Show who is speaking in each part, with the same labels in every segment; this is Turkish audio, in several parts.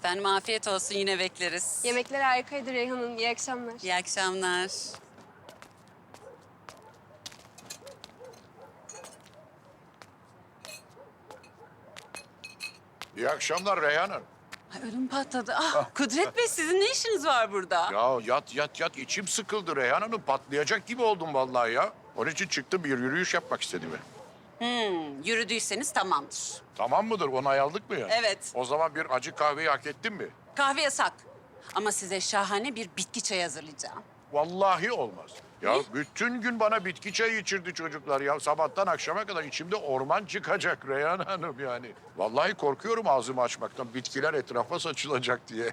Speaker 1: Efendim afiyet olsun, yine bekleriz.
Speaker 2: Yemekler harikaydı Reyhan'ın. İyi akşamlar.
Speaker 1: İyi akşamlar.
Speaker 3: İyi akşamlar Reyhan Hanım.
Speaker 1: Ay, ödüm patladı. Ah, Kudret Bey, sizin ne işiniz var burada?
Speaker 3: Ya yat içim sıkıldı Reyhan Hanım. Patlayacak gibi oldum vallahi ya. Onun için çıktım, bir yürüyüş yapmak istedim.
Speaker 1: Yürüdüyseniz tamamdır.
Speaker 3: Tamam mıdır? Onay aldık mı ya?
Speaker 1: Evet.
Speaker 3: O zaman bir acı kahveyi hak ettin mi?
Speaker 1: Kahve yasak. Ama size şahane bir bitki çayı hazırlayacağım.
Speaker 3: Vallahi olmaz. Ya
Speaker 1: Ne?
Speaker 3: bütün gün bana bitki çayı içirdi çocuklar ya. Sabahtan akşama kadar içimde orman çıkacak Reyhan Hanım yani. Vallahi korkuyorum ağzımı açmaktan. Bitkiler etrafa saçılacak diye.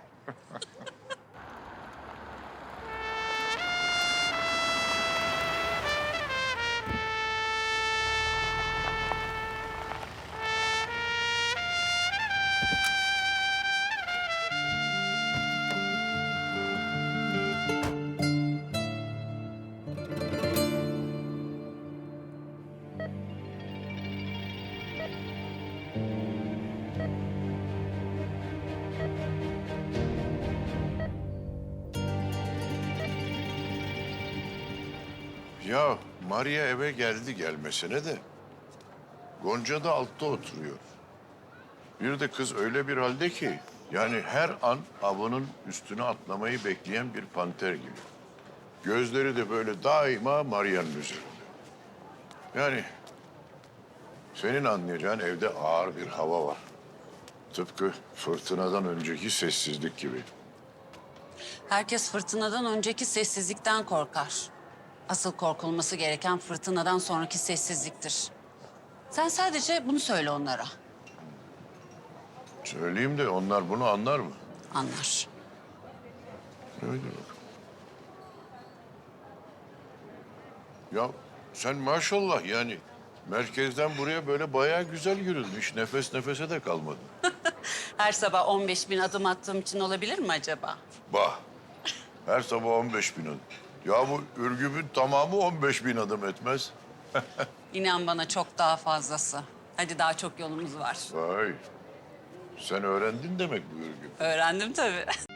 Speaker 3: Ya Maria eve geldi gelmesine de Gonca da altta oturuyor. Bir de kız öyle bir halde ki yani her an avının üstüne atlamayı bekleyen bir panter gibi. Gözleri de böyle daima Maria'nın üzerinde. Yani senin anlayacağın evde ağır bir hava var. Tıpkı fırtınadan önceki sessizlik gibi.
Speaker 1: Herkes fırtınadan önceki sessizlikten korkar. Asıl korkulması gereken fırtınadan sonraki sessizliktir. Sen sadece bunu söyle onlara.
Speaker 3: Söyleyeyim de onlar bunu anlar mı?
Speaker 1: Anlar.
Speaker 3: Öyle bak. Ya sen maşallah yani merkezden buraya böyle bayağı güzel yürüdün. Hiç nefes nefese de kalmadın.
Speaker 1: Her sabah 15.000 adım attığım için olabilir mi acaba?
Speaker 3: Bah, her sabah 15.000 adım. Ya bu Ürgüp'ün tamamı 15.000 adım etmez.
Speaker 1: İnan bana, çok daha fazlası. Hadi, daha çok yolumuz var.
Speaker 3: Vay, sen öğrendin demek bu Ürgüp.
Speaker 1: Öğrendim tabii.